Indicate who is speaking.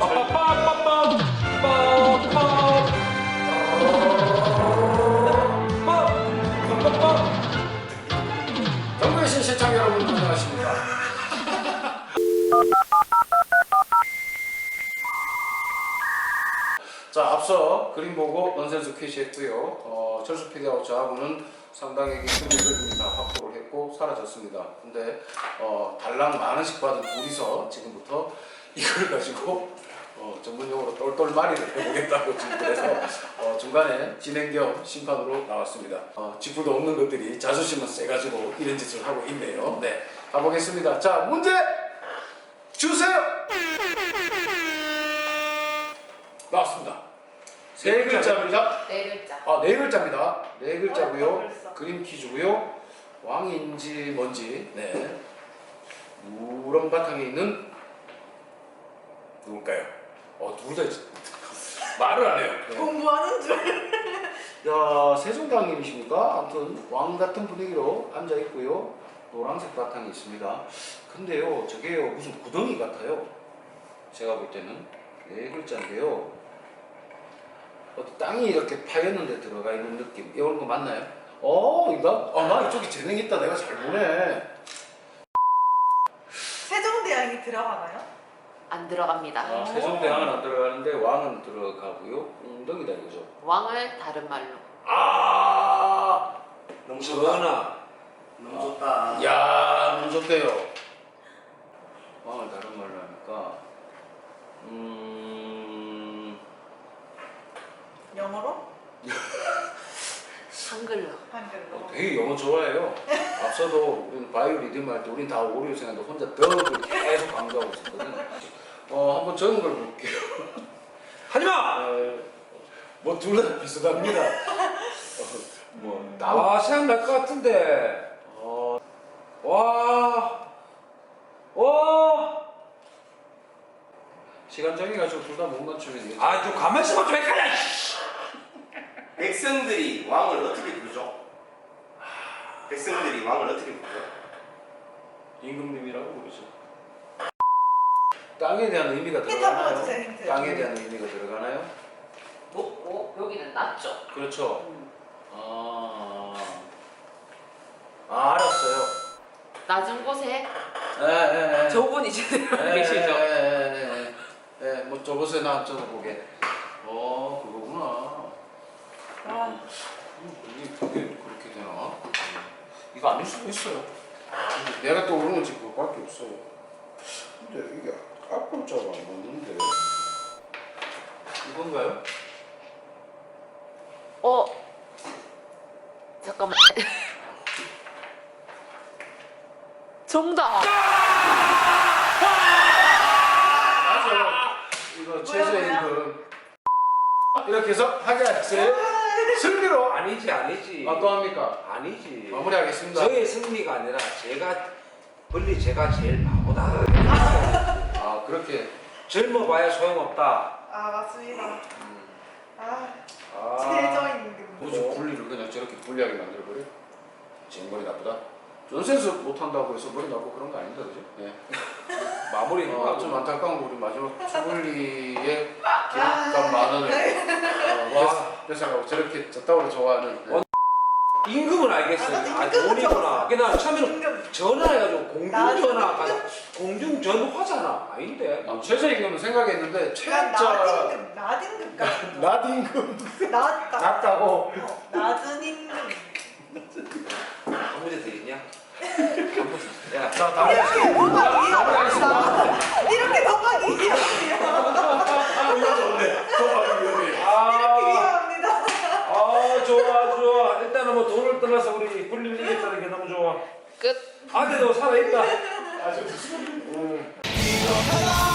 Speaker 1: 정글신 시청자 여러분 안녕하십니까. 자, 앞서 그림 보고 넌센스 퀴즈 했고요. 철수 PD하고 저하고는 상당히 승리를 다 확보를 했고 사라졌습니다. 근데 달랑 만 원씩 받은 둘이서 지금부터 이걸 가지고 전문용어로 똘똘마리를 해보겠다고 지금 그래서 중간에 진행 겸 심판으로 나왔습니다. 지푸도 없는 것들이 자존심은 세가지고 이런 짓을 하고 있네요. 네, 가보겠습니다. 자, 문제 주세요. 나왔습니다. 세 글자입니다.
Speaker 2: 네 글자.
Speaker 1: 네 글자입니다. 네 글자고요.
Speaker 2: 벌써.
Speaker 1: 그림 퀴즈고요. 왕인지 뭔지. 네. 누런 바탕에 있는 누굴까요? 둘 다 말을 안 해요. 네.
Speaker 2: 공부하는 줄.
Speaker 1: 야, 세종당님이십니까? 아무튼 왕 같은 분위기로 앉아 있고요. 노란색 바탕이 있습니다. 근데요, 저게요 무슨 구덩이 같아요. 제가 볼 때는 네 글자인데요. 어디 땅이 이렇게 파였는데 들어가 있는 느낌. 이런 거 맞나요? 나 이쪽에 재능 있다. 내가 잘 보네.
Speaker 2: 세종대왕이 들어가나요?
Speaker 3: 안 들어갑니다.
Speaker 1: 세종대왕은 안 들어가는데 왕은 들어가고요. 웅덩이다 이거죠.
Speaker 3: 왕을 다른 말로.
Speaker 1: 너무
Speaker 4: 전하 너무 좋다.
Speaker 1: 야, 너무 좋대요. 왕을 다른 말로 하니까
Speaker 2: 영어로?
Speaker 3: 한글로.
Speaker 2: 한글로.
Speaker 1: 되게 영어 좋아해요. 앞서도 우리는 바이오 리듬 할 때 우린 다 오류 생각도 혼자 덕을 계속 강조하고 있었거든. 한번 적은 걸 볼게요.
Speaker 4: 하지마.
Speaker 1: 둘 다 비슷합니다. 나와
Speaker 4: 생각날 것 같은데. 와.
Speaker 1: 시간 정해가지고 둘 다 못 맞추면 이게
Speaker 4: 좀 가만히 있어봐 좀 헷갈려.
Speaker 5: 백성들이 왕을 어떻게 부르죠? 백성들이 왕을 어떻게 부르죠?
Speaker 1: 임금님이라고 부르죠. 땅에 대한 의미가
Speaker 2: 힌트
Speaker 1: 들어가나요?
Speaker 2: 한번 주세요, 힌트.
Speaker 1: 땅에 대한 의미가 들어가나요?
Speaker 3: 높고 여기는 낮죠.
Speaker 1: 그렇죠. 알았어요.
Speaker 3: 낮은 곳에
Speaker 1: 예.
Speaker 3: 저분 이제 계시죠.
Speaker 1: 뭐 저곳에 나 적어보게. 그거구나. 이게 그렇게 되나? 이거 아닐 수도 있어요. 근데 내가 떠오르는 건 지금 그거밖에 없어요. 근데 이게 앞글자가 안 맞는데 이건가요?
Speaker 3: 잠깐만. 정답.
Speaker 1: 맞아요. 이거 최저의 임금. 이렇게 해서 하계학생 승리로
Speaker 4: 아니지.
Speaker 1: 또 합니까?
Speaker 4: 아니지.
Speaker 1: 마무리하겠습니다.
Speaker 4: 저의 승리가 아니라 제가 제일 바보다.
Speaker 1: 그렇게
Speaker 4: 젊어봐야 소용없다.
Speaker 2: 맞습니다. 최저임금.
Speaker 1: 무슨 분리를 그냥 저렇게 불리하게 만들어버려? 제 머리 나쁘다? 넌센스 못한다고 해서 머리 나쁘고 그런 거 아닙니다, 그죠? 네.
Speaker 4: 마무리
Speaker 1: 좀 안타까운 거 우리 마지막 추블리의 기록값 만 원을 회사가 저렇게 저따구로 좋아하는
Speaker 4: 임금은 알겠어요. 돈이구나. 나 처음에는 전화해가지고 공중전화하잖아. 아닌데.
Speaker 1: 최저임금은 생각했는데 최저
Speaker 2: 낮임금 같은 거.
Speaker 1: 낮임금
Speaker 2: 낮다고.
Speaker 1: 낮다고
Speaker 2: 낮은 임금.
Speaker 4: 한 문제 더 있냐? 야,
Speaker 1: 자, 다음
Speaker 2: 이렇게 도박이
Speaker 1: 마무리하겠습니다.
Speaker 2: 이렇게 도박이 위험해요.
Speaker 1: 이거 좋네. 도박이 위험해.
Speaker 2: 이렇게 위험합니다.
Speaker 4: 좋아. 일단은 뭐 돈을 떠나서 우리 불릴 이겼다는 게 너무 좋아.
Speaker 3: 끝.
Speaker 4: 아들도 살아있다.
Speaker 1: 아주